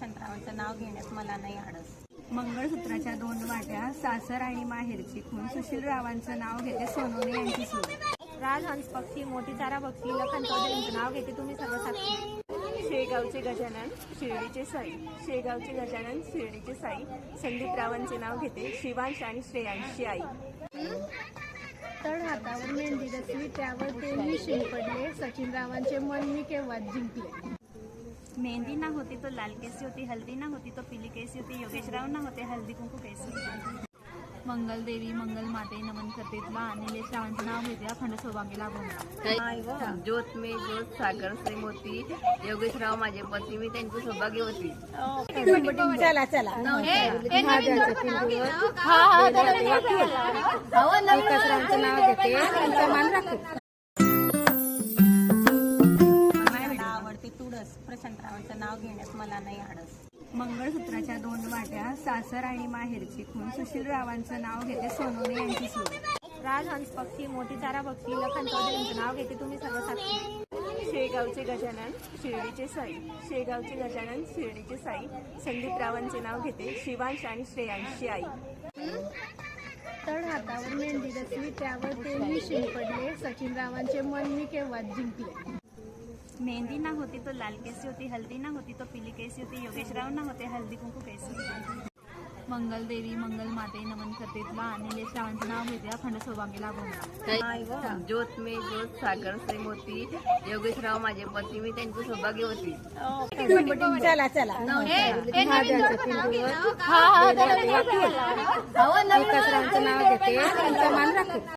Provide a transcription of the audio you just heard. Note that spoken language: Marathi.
प्रशांतरावांचं नाव घेण्यास मला नाही आडस. मंगळसूत्राच्या 2 वाट्या सासर आणि माहेरची खून सुशीलरावांचं नाव घेते सोनवणे यांची सून. राजहंस पक्षी मोठी चारा पक्षी लखन चौधरींचं नाव घेते तुम्ही सर्व साक्षी. शेगावचे गजानन शिर्डीचे साई, शेगावचे गजानन शिर्डीचे साई, संदीपरावांचे नाव घेते शिवांश आणि श्रेयांशची आई. तळ हातावर मेहंदी रचली त्यावर ते मी शिंपडले, सचिनरावांचे मन मी केव्हा जिंकले. मेहंदी ना होती तो लाल केसी होती, हल्दी ना होती तो पीली केसी होती, योगेशराव ना होते हल्दी कुंकू केसी. मंगलदेवी मंगल माते नमन करते तुला, आणि श्रावांचं नाव घेते अखंड सौभाग्य लाभवणार. ज्योत मे ज्योत सागर से मोती, योगेशराव माझे पती मी त्यांची सौभाग्यवती. चला चला नाव घेते त्यांचा मान राखू. मला आवडते तुळस, प्रशांतरावांचं नाव घेण्यास मला नाही आडस. मंगळसूत्राच्या 2 वाट्या सासर आणि माहेरची खून सुशीलरावांचं नाव घेते सोनवणे यांची सून. राजहंस पक्षी मोठी चारा पक्षी लखन चौधरींचं नाव घेते तुम्ही सर्व साक्षी. शेगावचे गजानन शिर्डीचे साई, शेगावचे गजानन शिर्डीचे साई, संदीपरावांचे नाव घेते शिवांश आणि श्रेयांशची आई. तळ हातावर मेहंदी रचली त्यावर ते मी शिंपडले, सचिनरावांचे मन मी केव्हा जिंकले. मेहंदी ना होती तो लाल केसी होती, हल्दी ना होती तो पीली केसी होती, योगेशराव ना होते हल्दी कुंकू केसी. मंगलदेवी मंगल माते नमन करते तुला, आणि श्रावांचं नाव घेते अखंड सौभाग्य लाभवणार. ज्योत मे ज्योत सागर से मोती, योगेशराव माझे पती मी त्यांची सौभाग्यवती. चला चला नाव घेते त्यांचा मान राखू.